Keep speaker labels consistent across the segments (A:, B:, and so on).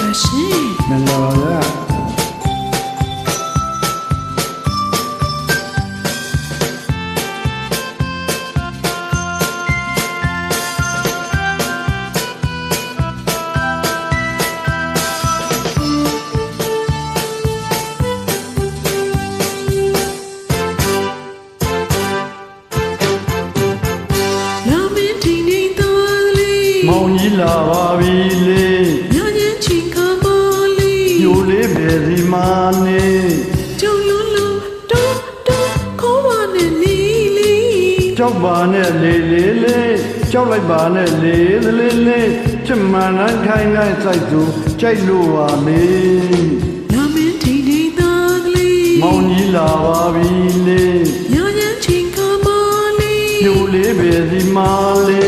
A: ရှင်မင်္ဂလာပါမောင်ကြီးလာပါပြီလေညညချင်းချီကပါလေညိုလေးပဲဒီမာနေကျုံလုံးလုံးတော့တော့ခေါ်ပါနဲ့လေးလေးကြောက်ပါနဲ့လေးလေးလေးကြောက်လိုက်ပါနဲ့လေးလေးလေးချစ်မှန်နိုင်ခိုင်းနိုင်စိုက်သူကြိုက်လို့ပါလေလာမင်းထိန်ထိန်သားကလေးမောင်ကြီးလာပါပြီလေညညချင်းချီကပါလေညိုလေးပဲဒီမာလေ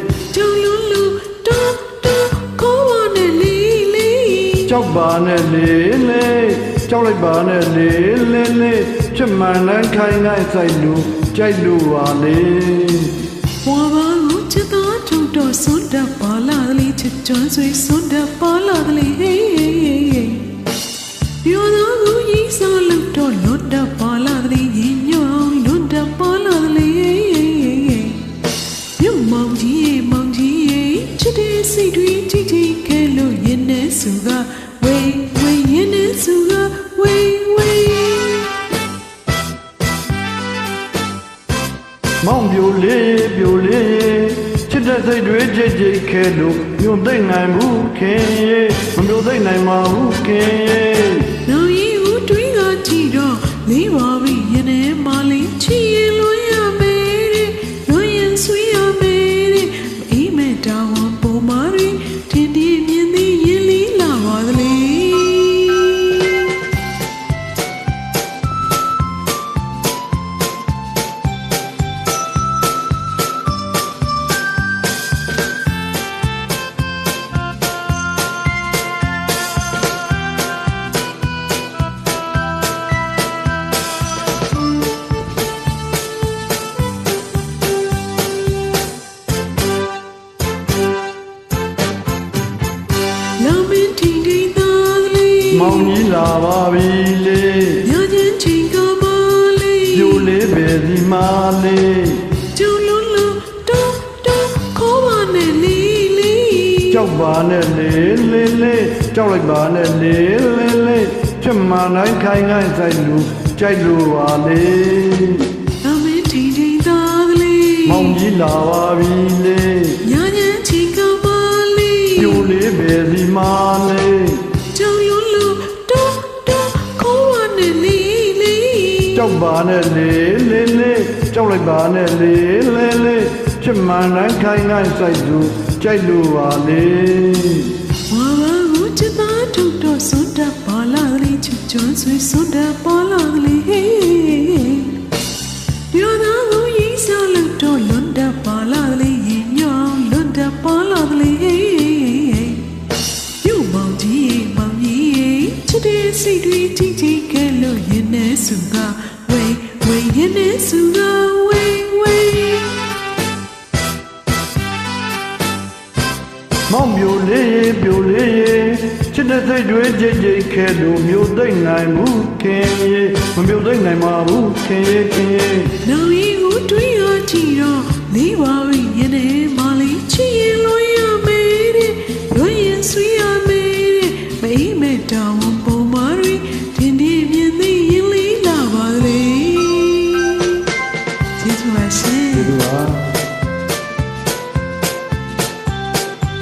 A: ကြောက်ပါနဲ့လေးလေးကြောက်လိုက်ပါနဲ့လေးလေးလေးချစ်မှန်နိုင်ခိုင်းနိုင်စိုက်လို့ကြိုက်လို့ပါလေဝါပါကိုချစ်သားထုတ်တော့စွန့်တတ်ပါလားလေးချစ်ကျွမ်းဆွေစွန့်တတ်ပါလားလေးဟေးဟေးဟေးပြောတော့ကိုကြီးစားလို့တော့လွတ်တတ်ပါလားလေးရင်ညောင်းလွတ်တတ်ပါလားလေးဟေးဟေးဟေးမြုံမောင်ကြီးချစ်တဲ့စိတ်တွေကြည့်ကြည့်ခဲလို့ရင်နဲ့စုကဝေးဝေးရင်နဲ့စုကဝေးဝေးမောင်ပြိုလေးပြိုလေးချစ်တဲ့စိတ်တွေကြည့်ကြည့်ခဲလို့ညွန်သိမ့်နိုင်ဘူးခင်ရဲ့မမျိုးသိမ့်နိုင်ပါဘူးခင်ရဲ့နောက်ရင်ဦးတွေးကကြည့်တော့လေးပါပြီရင်နဲ့မလေးချီရင်လွှမ်းရမယ်တဲ့လွှမ်းရင်ဆွေးရမယ်တဲ့အိမ်မဲ့တောင်းမာရီတင်ဒီမြင်သည်ရင်လီလာပါသလေမောင်ကြီးလာပါပြီလေညချင်းချင်းကပါလေပြိုလေးပဲဒီမာလေးကျုံလုံးလုံးတော့တော့ခေါ်ပါနဲ့လေးလေးကြောက်ပါနဲ့လေးလေးလေးကြောက်လိုက်ပါနဲ့လေးလေးလေးချစ်မှန်နိုင်ခိုင်းခိုင်းစိုက်လို့ကြိုက်လို့ပါလေအမင်းထိန်ထိန်သားကလေးမောင်ကြီးလာပါပြီလေညချင်းချင်းကပါလေပြိုလေးပဲဒီမာလေးကြောက်ပါနဲ့လေးလေးလေးကြောက်လိုက်ပါနဲ့လေးလေးလေးချစ်မှန်နိုင်ခိုင်းနိုင်စိုက်သူကြိုက်လို့ပါလေဝါဘာကိုချစ်သားထုတ်တော့စွန့်တတ်ပါလားလေးချစ်ကျွမ်းဆွေစွန့်တတ်ပါလားလေးဟေးပြောသားကိုရေးစားလို့တော့လွတ်တတ်ပါလားလေးရင်ညောင်းလွတ်တတ်ပါလားလေးဟေးပြုတ်မောင်ကြီးချစ်တဲ့စိတ်တွေကြည့်ကြည့်ခဲလို့ရင်နဲ့စုကဝေးဝေးရင်နဲ့စုကဝေးဝေးမောင်ပြိုလေးပြိုလေးချစ်တဲ့စိတ်တွေကြည့်ကြည့်ခဲလို့မျိုးသိမ့်နိုင်ဘူးခင်ရဲ့မမျိုးသိမ့်နိုင်ပါဘူးခင်ရဲ့ခင်ရဲ့နောက်ရင်ကိုတွေးရကြည့်တော့လေးပါရင်နဲ့မလေးချီရင်လို့